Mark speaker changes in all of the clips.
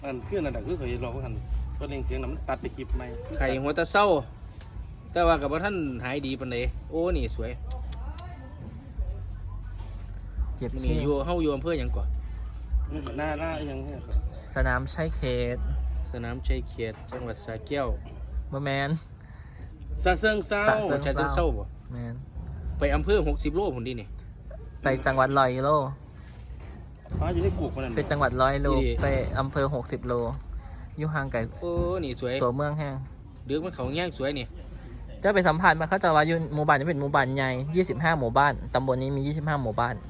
Speaker 1: อันเพื่อนอันดับคือเขาเราก็หันตัวเองเสียงน้ำตัดไปคลิปไหม
Speaker 2: ไข่หัวตะเศร้าแต่ว่ากับว่าท่านหายดีปานใดโอ้นี่สวย
Speaker 3: เก็บ
Speaker 2: นี่อยู่เฮาอยู่อำเภอหยังก่อน
Speaker 1: หน้ายังไงครับ
Speaker 3: สนามชัยเขต
Speaker 2: สนามชัยเขตจังหวัดสระแก้ว
Speaker 3: บ่แมน
Speaker 1: ซาเซิงเศร้า
Speaker 3: ซาเซิ
Speaker 2: ชาเชิงเศร้าบ่
Speaker 3: แมน
Speaker 2: ไปอำเภอ60 โลพุ่นดินี่
Speaker 3: ไปจังหวัดร้อยโล
Speaker 1: อ๋ออยู่ในกูกมันนั่น
Speaker 3: เป็นจังหวัดร้อยโลไปอำเภอ60 โลอยู่ห่างไกล
Speaker 2: โอ้นี่สวย
Speaker 3: ตัวเมืองแห้ง
Speaker 2: เดือกมันเขาแง่งสวยนี่
Speaker 3: จะไปสัมผัสมาเขาจะว่าอยู่หมู่บ้านนี้เป็นหมู่บ้านใหญ่25 หมู่บ้านตำบลนี้มี25 หมู่บ้าน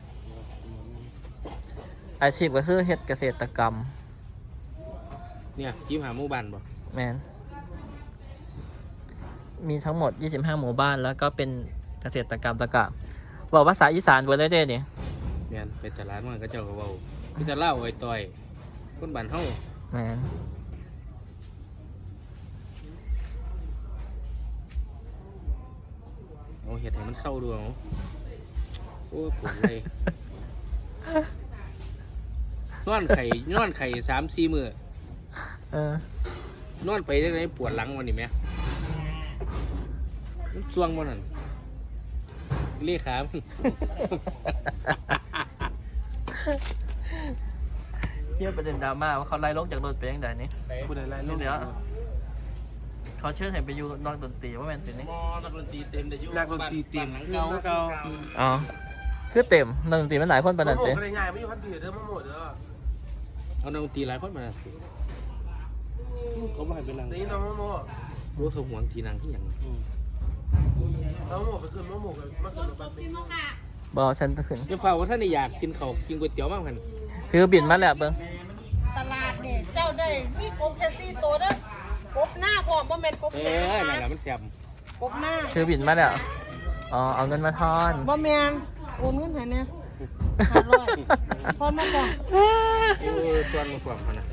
Speaker 3: อาชีพก็คือเฮ็ดเกษตรกรรม
Speaker 2: เนี่ยยิ้มหาหมู่บ้านบ่
Speaker 3: แมนมีทั้งหมด25 หมู่บ้านแล้วก็เป็นเกษตรกรรมตะกะบอกภาษาอีสานเบิดเลยเด้นี่
Speaker 2: แม่นไปตลาดมันก็เจ้าก็เว้ามีแต่เล่าไอ้ต่อยคนบ้านเฮา
Speaker 3: แมน
Speaker 2: เอาเฮ็ดให้มันเศร้าดูเอาโอ้ยปวดเลยนอนไข่3-4 มื้อ
Speaker 3: เออน
Speaker 2: อนไปจังได๋ปวดหลังวันนี้แม่มันช่วงบ่นั่นเลขามัน
Speaker 3: เทียบประเด็นดราม่าว่าเขาไล่ลงจากรถไปยังไงนี่
Speaker 1: ผู้ใดไล่
Speaker 3: นี่เดี๋ยวเขาเชิญให้ไปอยู่นอกดนตรีว่าแมนเป็นนี่
Speaker 2: มอนักดนตรีเต็มได้อยู่
Speaker 1: นักดนตรีเต็ม
Speaker 2: หลัง
Speaker 1: เก่า
Speaker 2: เก่า
Speaker 3: อ๋อคือเต็มนอกดนตรีมันหลายคนปานนั้น
Speaker 1: โม
Speaker 3: เจ้
Speaker 1: ก็ได้ง่ายไม่อยู่พันปีเด้อมาหมดเด้อ
Speaker 2: เอานักดนตรีหลายคนมาสิ
Speaker 1: เขาไม่ให้เป็นนางนี่น้องโม
Speaker 2: รู้เขาห่วงทีนางที่หยัง
Speaker 1: น้องโมก็คือน้องโมก็มาขึ้นมาเป็น
Speaker 3: บอกฉันขึ้น
Speaker 2: เดี๋ยวฝ่าว่าท่านอยากกินข้าวกินก๋วยเตี๋ยวมากพัน
Speaker 3: ถือบินมาแล้วเบิ้ง
Speaker 4: ตลาดนี่เจ้าได้มีกบแค่4 ตัวเด้อกบหน้าพร้อมบ่แม่นกบ
Speaker 2: เอ
Speaker 4: เขียว
Speaker 2: อ
Speaker 4: นะ
Speaker 2: นั่น
Speaker 4: คะ
Speaker 2: แหละมันแซ่บ
Speaker 4: กบหน้า
Speaker 3: ถือบินมาแล้วอ๋อเอาเงินมาทอน
Speaker 4: บ่แม่นโอนเงินให้แน่500ทอนมาก่อน
Speaker 2: เออตวนมาความพันนะ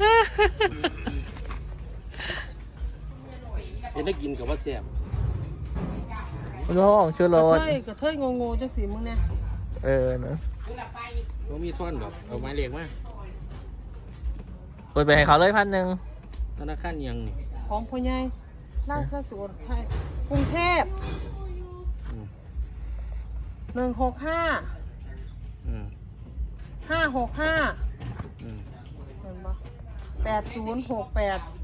Speaker 1: เห็นได้กินกับว่าแซ่บ
Speaker 3: โล่งชื่อรถ
Speaker 4: กระเทยงงๆจังซี่มึงเนี่ย
Speaker 3: เออเนอะ
Speaker 2: ว่ามีท่อนดอกเอาไม้เล็กมา
Speaker 3: โอนไปให้เขาเลย1,000
Speaker 2: ธนาคารยังนี่
Speaker 4: ของพ่อใหญ่ราชสวนไทยกรุงเทพ
Speaker 2: อืม
Speaker 4: 165
Speaker 2: อืม
Speaker 4: 565
Speaker 2: อืม
Speaker 4: เห็นบ่8068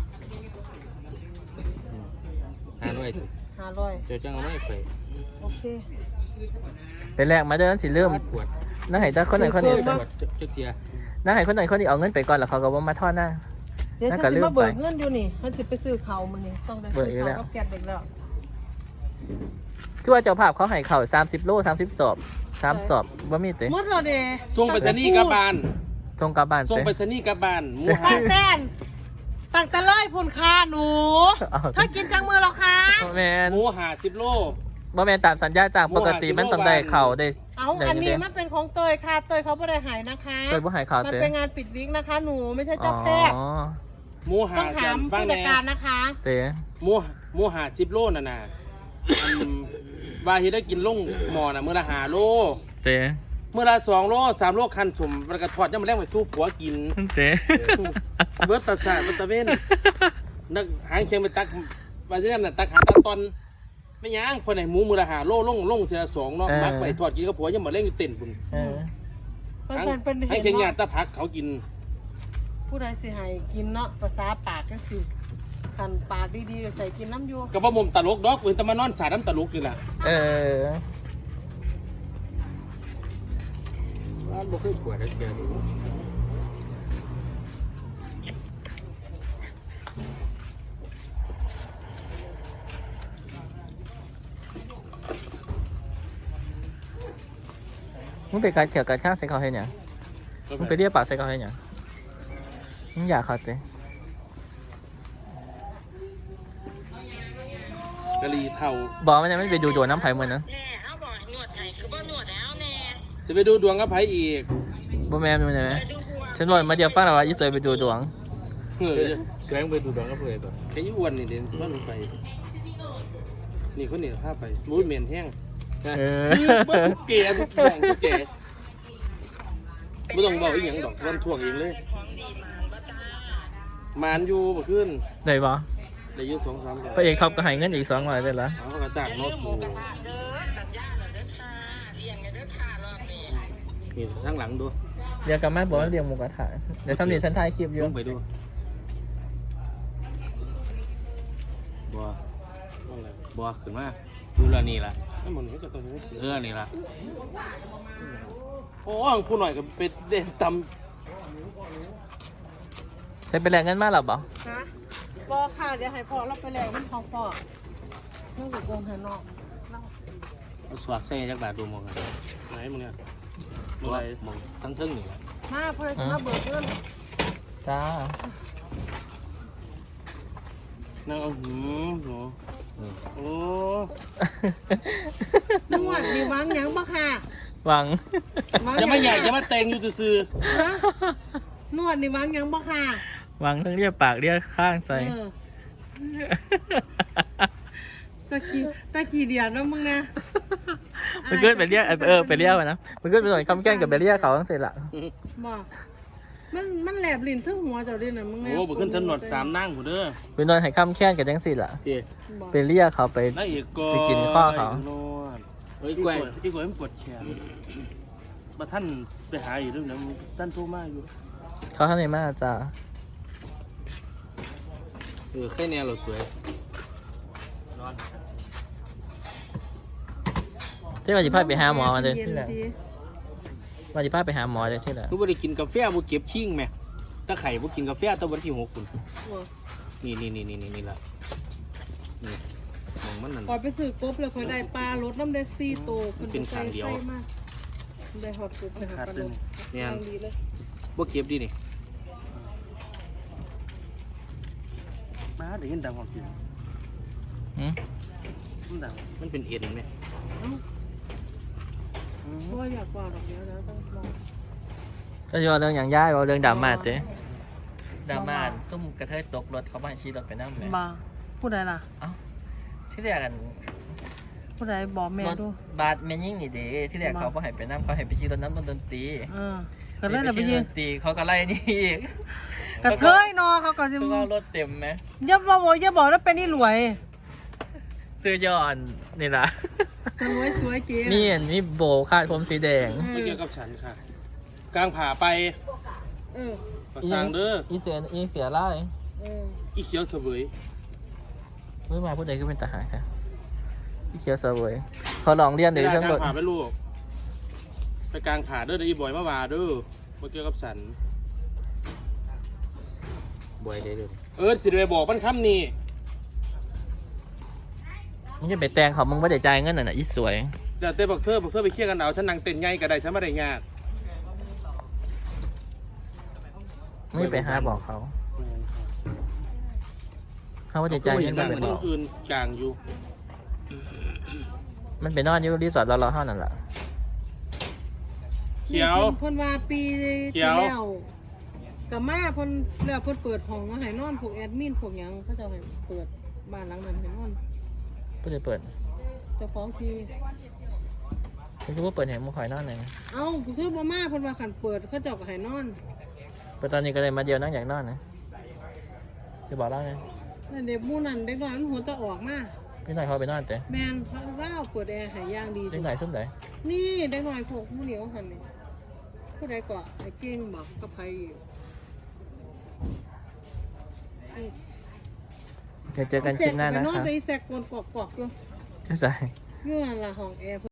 Speaker 2: 500
Speaker 4: 500
Speaker 2: เจ้าจังเอาไม่ไป
Speaker 4: โอเค
Speaker 3: เป็นแรกมาเดินสิเริ่ม
Speaker 2: ปวด
Speaker 3: นั่งให้เจ้าคนไหนคนนี้
Speaker 2: ปวดเจ้าเทีย
Speaker 3: นั่งให้คนไหนคนนี้เอาเงินไปก่อนแล้วเขาก็ว่ามาทอดหน้า
Speaker 4: เดี๋ยว
Speaker 3: น่า
Speaker 4: ฉั
Speaker 3: จะ
Speaker 4: น
Speaker 3: ลื
Speaker 4: สิ
Speaker 3: ม
Speaker 4: มาเบิก
Speaker 3: ไป
Speaker 4: เงินอยู่นี่ฉันสิไปซื้อเขาวมื้อนี้ต้องได้
Speaker 3: เบิ
Speaker 4: ซื้
Speaker 3: กอีก
Speaker 4: อ
Speaker 3: แล้ว
Speaker 4: เขาวกับแก๊สเด็กแล้ว
Speaker 3: ทั่วเจ้าภาพเขาให้เข่า30 โล30 สอบ3 สอบว่ามีเตะ
Speaker 4: หมดแล้วเด้
Speaker 1: ส่งไปสนีย์กลับบ้าน
Speaker 3: ส่งกลับบ้าน
Speaker 1: ส่ง
Speaker 3: เตะ
Speaker 1: ไปสนีย์กลับบ้านหมู
Speaker 4: ตั้งแต่ตั้งแต่ร้อยพุ่นค่าหนู
Speaker 3: เอา
Speaker 4: ถ้ากินจังมือแล้วคะ
Speaker 3: บ่แมน
Speaker 1: หมู50 โล
Speaker 3: บ่แมนตามสัญญาจ้างปกติมันต้องได้เข่าได้
Speaker 4: เอาอันนี้มันเป็นของเตยค่ะเตยเขาไม่ได้หายนะคะ
Speaker 3: เคยบ่ให้เข่า
Speaker 4: มัน
Speaker 3: เตะ
Speaker 4: เป็นงานปิดวิกนะคะ หนูไม่ใช่เจ้าแพทย์
Speaker 3: อ๋อ
Speaker 1: หมู
Speaker 4: ต้องถาม
Speaker 1: ฟัง
Speaker 4: ผู้
Speaker 1: แห
Speaker 4: จัด
Speaker 1: น่
Speaker 4: การนะคะ
Speaker 3: เตะ
Speaker 1: หมู50 โลน่ะนะว่าเฮ็ดได้กินลงหม้อน่ะมื้อละ5 โล
Speaker 3: เตะ
Speaker 1: มื้อละ2 โล3 โลคันสมมันก็ทอดยามมื้อแลงไปสู้ผัวกิน
Speaker 3: เตะ
Speaker 1: เบิดตาสาดตะเว้นนักหางเคียงไปตักว่าจะนั่นน่ะตักหาตาตอนไม่ย่างคนไหนหมูมือละ5 โลลงเสีย2เนาะมักไปทอดกินกับผัวยังมื้อแลงอยู่เต้นพุ่น
Speaker 3: เออ
Speaker 4: มัน
Speaker 1: หาง
Speaker 4: เป็น
Speaker 1: ให้
Speaker 4: เห็น
Speaker 1: เคียงญา
Speaker 4: ว่า
Speaker 1: ติตาผักเขากิน
Speaker 4: ผู้ใดสิให้กินเนาะภาษาปากก็คือขันปากดีๆก็ใส่กินน้ำอยู
Speaker 1: ก็บ่มุมตลกดอกเว้นแต่มานอนสาดน้ำตลกนี่แหละ
Speaker 3: เออ
Speaker 2: ร้านบ่เคยปวดแล้วเจอดู
Speaker 3: มึงไปการเขียวการข้างใส่เขาให้เนี่ยมึงไปเรียกปากใส่เขาให้เนี่ยมึงอยากเขาเตะ
Speaker 1: กะหรี่เท่า
Speaker 3: บอกมันยังไม่ไปดูดวงน้ำไผ่เหมือนนะ
Speaker 4: แน่เอาบอกหนวดไห้คือบ่หนวดแล้วแน่
Speaker 1: สิไปดูดวงกับไผอีก
Speaker 3: บ่แม่เป็นยังไงฉันบอกมาเดียวฟังแล้วว่ายิ่งสวยไปดูดวง
Speaker 1: เฮ้ย
Speaker 2: แสวงไปดูดองกับเพื่อนแบบ
Speaker 1: แค่ยี่อ้วนนี่เด่นว่าลงไป นี่คนนี้พาไปมูดเหม็นแห้ง
Speaker 3: เออ
Speaker 1: เบิดทุกเกทุกแบ่งทุกเกไม่ต้องบอกอีกอย่างดอกวันท่วงเองเลย
Speaker 4: ของดีมันบ่จ้า
Speaker 1: มานอยู่เมื่อคืน
Speaker 3: ได้บ่
Speaker 1: ได้อยู่2-3เดือน
Speaker 3: พระเอกท็อปก็ให้เงินอีก200ได้ละ
Speaker 1: เขาก็จ้างโน้ตบู
Speaker 2: นี่ข้างหลังดู
Speaker 3: เดี๋ยวกลับมาบอกว่าเรียงหมูกระทะเดี๋ยวซ้ำนี่ฉันถ่ายคลิปอยู่
Speaker 2: ลงไปดูบัว
Speaker 1: อะไร
Speaker 2: บัวขึ้นมาดูแลนี่ละ
Speaker 1: นั่นมันก็ตัวนี้
Speaker 2: นี่ละ
Speaker 1: โอ้ผู้หน่อยก็ไปเด่นต
Speaker 3: ได้ไปแลกเงินมาหรอบ่
Speaker 4: ฮะรอค่ะเดี๋ยวให้พ่อเราไปแล้วมันของพ่อเรื่องกับโกงหันนอก
Speaker 2: เอาสวกใส่จักบาทดูมองกัน
Speaker 1: ำไหนมึงเนี่ย
Speaker 2: บั
Speaker 1: เมื่อ
Speaker 2: ว
Speaker 1: ไหร
Speaker 2: มองทั้งเทิงนี่ละ
Speaker 4: มาเพื่อนมาเบิกเงิน
Speaker 3: จ้า
Speaker 1: นั่งเอาหืมโห
Speaker 2: อืม
Speaker 1: โอ้
Speaker 4: นวดมีวางหยังบ่ค่ะ
Speaker 3: หวัง
Speaker 4: วาง
Speaker 1: ยังไม่ใหญ่ยังไม่เต็งอยู่ซื่อ
Speaker 4: ฮะนวดนี่วางหยังบ่ค่ะ
Speaker 3: หวังทั้งเรียกปากเรียกข้างใส่
Speaker 4: เออตะขี้เดียดนะมึงนะ
Speaker 3: มันเกิดไปเรียกไปเรียกนะมันเกิดไปหน่อยคำแก้งกับไปเรียกเขาตั้งเสร็จละ
Speaker 4: บ่มันแหลบลิ้นทึ่งหัวเจ้าด้วยนะมึง
Speaker 1: ๆ
Speaker 4: นะ
Speaker 1: โอ้บุขึ้นถนน3นั่งผู้เด้อ
Speaker 3: ไปนอนให้คำแค้นกับจังสิล่ะ
Speaker 1: พี่
Speaker 4: บ่
Speaker 3: ไปเรียกเขาไป
Speaker 1: นั่งอีกก็
Speaker 3: สิกินข้อเขา
Speaker 1: นวด
Speaker 2: เฮ้ย
Speaker 1: อีก
Speaker 2: ก
Speaker 1: ก
Speaker 2: ล้วย
Speaker 1: อีกกล้วยมันปวดแขนมาท่านไปหาอยู่ด้วยนะท่านโทรมาอยู่
Speaker 3: เขาข้างในมาจ้า
Speaker 2: แค่แนวเราสวย
Speaker 1: นอน
Speaker 3: ที่ว่าจะพาไปหาหมอมาเลย
Speaker 4: ย็น
Speaker 3: ที่ไหน
Speaker 4: ดี
Speaker 3: ว่าจะพาไปหาหมอเลยที่ไหน
Speaker 2: คือบ่ได้กินกาแฟบ่เก็บชิ่งแม่ตะไข่บ่กินกาแฟตะวันที่6คุณ
Speaker 4: บ่
Speaker 2: นี่ละนี่มองมันนั่น
Speaker 4: พอไปซื้อกบเลยคอยได้ปลารถน้ำได้4โต
Speaker 2: มันเป็นทางเดียว
Speaker 4: ใส่มากได้ฮอดกบเลยค่ะปลาลด
Speaker 2: เนี่ย
Speaker 4: ทางดีเลย
Speaker 2: บ่เก็บดินี่
Speaker 1: มาเดี๋ยวยินดังความจริง
Speaker 3: อืม
Speaker 1: มันดัง
Speaker 2: มันเป็นเอ็นไหม
Speaker 4: เอ้าบ่อยากว่าดอกเดียวนะต้องลอง
Speaker 3: ก็จะว่าเรื่องอย่างย่ายว่าเรื่องดราม่าเจ๊ดราม่าซุ่มกระเทยตกรถเขาบ้านชี้รถไปนั่งเลย
Speaker 4: มาผู้ใดล่ะ
Speaker 3: เอ้าที่เรียกกัน
Speaker 4: ผู้ใดบอกแม่
Speaker 3: รถ
Speaker 4: ดู
Speaker 3: บาสแม่ยิ่งนี่เด้ที่เรียกเขาบ่ให้ไปนั่งเขาให้ไปชี้รถน้ำดนตรี
Speaker 4: ก็เลยน่ะไป
Speaker 3: ชี้
Speaker 4: ยื
Speaker 3: ด
Speaker 4: น
Speaker 3: นตรีเขาก็ไล่นี่อีก
Speaker 4: กระเทยนอเขาก็สิ
Speaker 3: คือว่ารถเต็มไหม
Speaker 4: อย่าบอกว่าเป็นนี่รวย
Speaker 3: เสื้อย่อนนี่ล่ะ
Speaker 4: สวยเจ๊
Speaker 3: มีอันนี้โบคาดผมสีแดง
Speaker 1: ไม่เกี่ยวกับฉันค่ะ กลางผ่าไป
Speaker 4: เออ
Speaker 1: ประสางเด้อ
Speaker 3: อีเสียไล่
Speaker 4: เออ
Speaker 1: อีเขียวเสวย
Speaker 3: เมื่อมาผู้ใดก็เป็นทหารค่ะอีเขียวเสวยเขาลองเรียนเดี๋ยว
Speaker 1: ก
Speaker 3: เรื่อง
Speaker 1: ลาง
Speaker 3: รถ
Speaker 1: ผ่าไปลูกไปกลางผ่าเด้อเดี๋ยวอีบอยมาว่าเด้อไม่เกี่ยวกับฉัน
Speaker 2: บ่อยได้เลย
Speaker 1: สิไปบอกมันคำนี้
Speaker 3: มึงจะไปแต่งเขามึงไม่ได้จ่ายเงินน่ะอีสวย
Speaker 1: เดี๋ยวเต้บอกเธอไปเคลียร์กันเอาฉันนั่งเต้นไงก็ได้ฉันไม่ได้งาน
Speaker 3: ไม่ไปหาบอกเขาเขาว่าจะจ่ายเงิน
Speaker 1: ก็
Speaker 3: ก็
Speaker 1: เห
Speaker 3: ไป
Speaker 1: มือน
Speaker 3: บอก
Speaker 1: อื่นกลางอยู่
Speaker 3: มันไปนอนอยู่รีสอร์ทเราเท่านั้นแหละ
Speaker 1: เขียว
Speaker 4: เพิ่นว่าปี
Speaker 1: เขียว
Speaker 4: แล้วกับมาเพิ่นแล้วเพิ่นเปิดห้องมาให้นอนพวกแอดมินพวกหยังเขาจะให้เปิดบ้านหลังนั้นให้นอน
Speaker 3: ผู้ใดเปิด
Speaker 4: เจ้าของที่
Speaker 3: คุณคิดว่าเปิดเห็นมึงคอยนอนไหน
Speaker 4: เอ้าคือบ่มาเพิ่นว่าคันเปิดเขาเจ้าก็ให้นอน
Speaker 3: เปิดตอนนี้ก็เลยมาเดียวนั่งอยากนอนนะจะบอกเล่าไง
Speaker 4: แล้วเด็กหมู่นั้นเด็กน้อยมันหัวจะออกมา
Speaker 3: พี่หน่อยเขาไปนอนแต่
Speaker 4: แม่นเขาเล่าเปิดแอร์ให้อย่างดี
Speaker 3: เล็กหน่อยซุ่มไหน
Speaker 4: นี่เด็กน้อยพวกผู้เหนียวหั่นนี่ผู้ใดก็ไอ้เก่งบอกกับใครอยู่
Speaker 3: เดี๋ยวเจอกันคลิปหน้านะ
Speaker 4: ไปนอน
Speaker 3: ครับ
Speaker 4: ใจแสกกวนกอกๆอยู่
Speaker 3: ใช่
Speaker 4: อยู่นั่นล่ะห้องแอร์